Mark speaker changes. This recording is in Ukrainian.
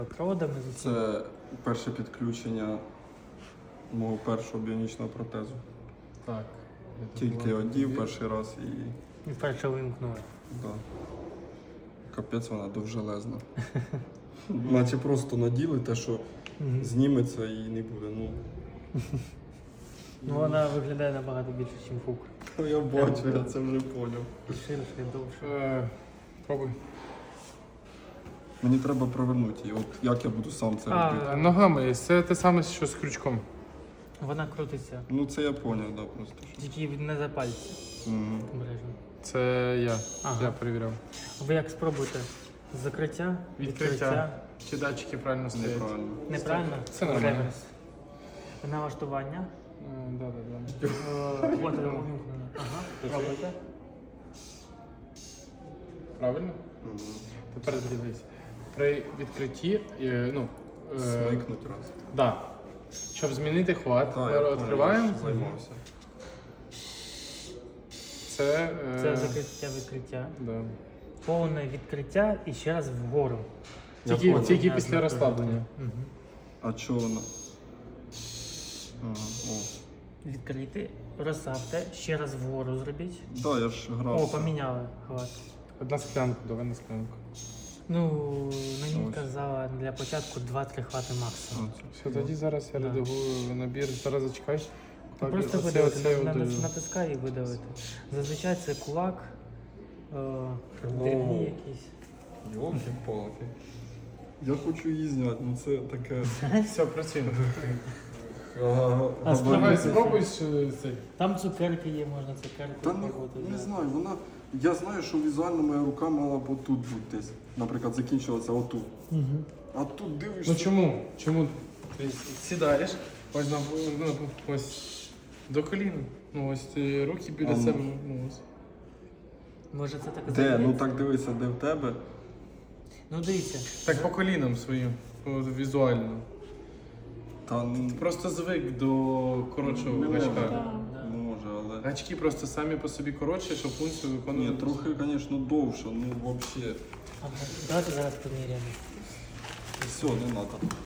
Speaker 1: Проводами з
Speaker 2: Це перше підключення мого першого біонічного протезу.
Speaker 3: Так.
Speaker 2: Тільки одів перший раз і
Speaker 1: вперше вимкнули.
Speaker 2: да. Капець вона довжелезна. Наче просто наділи те, що зніметься і не буде.
Speaker 1: Ну вона виглядає набагато більше, ніж фук.
Speaker 2: Я бачу, я це вже поняв.
Speaker 1: І ширше, і довше.
Speaker 3: Пробуй.
Speaker 2: Мені треба провернути її. От як я буду сам це робити?
Speaker 3: Ногами. Це те саме, що з крючком.
Speaker 1: Вона крутиться.
Speaker 2: Ну це я поняв, да, просто. Що.
Speaker 1: Тільки не за пальці. Обережно.
Speaker 3: Це я.
Speaker 1: Ага.
Speaker 3: Я перевіряв.
Speaker 1: Ви як спробуйте? Закриття,
Speaker 3: Відкриття. Чи датчики правильно стоять?
Speaker 2: Неправильно.
Speaker 1: Неправильно?
Speaker 3: Це нормально.
Speaker 1: Реверс. Налаштування.
Speaker 3: Да.
Speaker 1: От воно вимкнено. Ага. Пробуйте.
Speaker 3: Правильно? Тепер дивись. При відкритті,
Speaker 2: Смикнуть раз.
Speaker 3: да. Щоб змінити хват,
Speaker 2: Так,
Speaker 3: ми
Speaker 2: я поняв,
Speaker 3: відкриваємо.
Speaker 2: я ж займався.
Speaker 3: Це,
Speaker 1: Це закриття-відкриття.
Speaker 3: да.
Speaker 1: Повне відкриття і ще раз вгору.
Speaker 3: Тільки після розслаблення.
Speaker 2: А чого вона? Ага, о.
Speaker 1: Відкрити, розставте, ще раз вгору зробіть.
Speaker 2: Да, я ж грав.
Speaker 1: О, поміняли хват.
Speaker 3: Одна склянка, давай на склянку.
Speaker 1: Ну, мені
Speaker 2: Ось.
Speaker 1: казала для початку 2-3 хвати максимум.
Speaker 3: Все, тоді зараз я
Speaker 1: Да.
Speaker 3: редагую набір. Зараз зачекай.
Speaker 1: Ну, просто видавити, натискай і видавити. Зазвичай це кулак, дрібні якісь.
Speaker 2: Йолки-палки. Я хочу її зняти, ну це таке.
Speaker 3: Все, працюємо.
Speaker 1: А
Speaker 3: Давай спробуй цей.
Speaker 1: Там цукерки є, можна цукерки
Speaker 2: Та
Speaker 1: спробувати
Speaker 2: не
Speaker 1: взяти.
Speaker 2: знаю, вона. Я знаю, що візуально моя рука мала б отут бути десь. Наприклад, закінчилася отут. А тут дивишся.
Speaker 3: Ну чому? Чому? Ти сідаєш, ось ось до коліна. Ну ось ти руки біля себе. Ну, ось.
Speaker 1: Може це так
Speaker 2: Де? Ну
Speaker 1: здається?
Speaker 2: так дивися, де в тебе.
Speaker 1: Ну дивіться.
Speaker 3: Так по колінам своїм, візуально.
Speaker 2: Та
Speaker 3: Просто звик до коротшого
Speaker 2: Не
Speaker 3: гачка.
Speaker 2: може.
Speaker 1: Да.
Speaker 2: може, але.
Speaker 3: Гачки просто самі по собі коротші, щоб функцію
Speaker 2: Ні,
Speaker 3: виконувати.
Speaker 2: трохи, звісно, довше, ну взагалі.
Speaker 1: Ага. Давайте зараз поміряємо.
Speaker 2: Все, не треба.